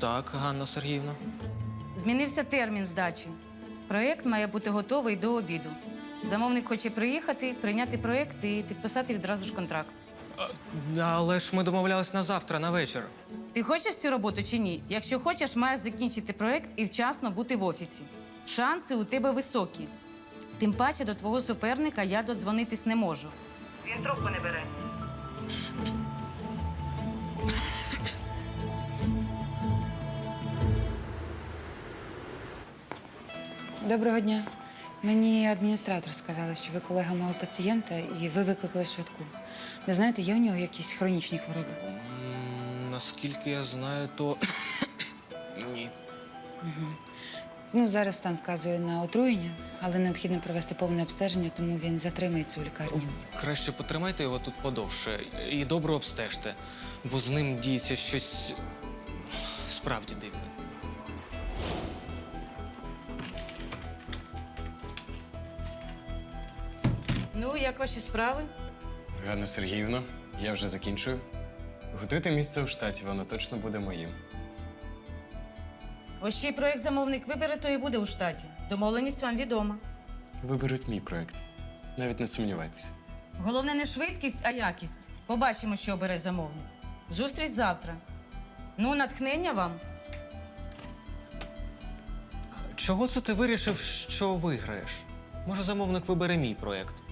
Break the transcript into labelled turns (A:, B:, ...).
A: Так, Ганна Сергіївна.
B: Змінився термін здачі. Проєкт має бути готовий до обіду. Замовник хоче приїхати, прийняти проєкт і підписати відразу ж контракт.
A: Але ж ми домовлялись на завтра, на вечір.
B: Ти хочеш цю роботу чи ні? Якщо хочеш, маєш закінчити проєкт і вчасно бути в офісі. Шанси у тебе високі. Тим паче до твого суперника я додзвонитись не можу. Він трубку не бере.
C: Доброго дня. Мені адміністратор сказала, що ви колега мого пацієнта і ви викликали швидку. Не знаєте, є у нього якісь хронічні хвороби?
A: Наскільки я знаю, то ні.
C: Ну, зараз стан вказує на отруєння, але необхідно провести повне обстеження, тому він затримається у лікарні.
A: Краще потримайте його тут подовше і добре обстежте, бо з ним діється щось справді дивне.
B: Ну, як ваші справи?
D: Ганна Сергіївна, я вже закінчую. Готуйте місце у штаті, воно точно буде моїм.
B: Ось чий проєкт замовник вибере, то і буде у штаті. Домовленість вам відома.
D: Виберуть мій проєкт. Навіть не сумнівайтеся.
B: Головне не швидкість, а якість. Побачимо, що обере замовник. Зустріч завтра. Ну, натхнення вам.
A: Чого це ти вирішив, що виграєш? Може, замовник вибере мій проєкт?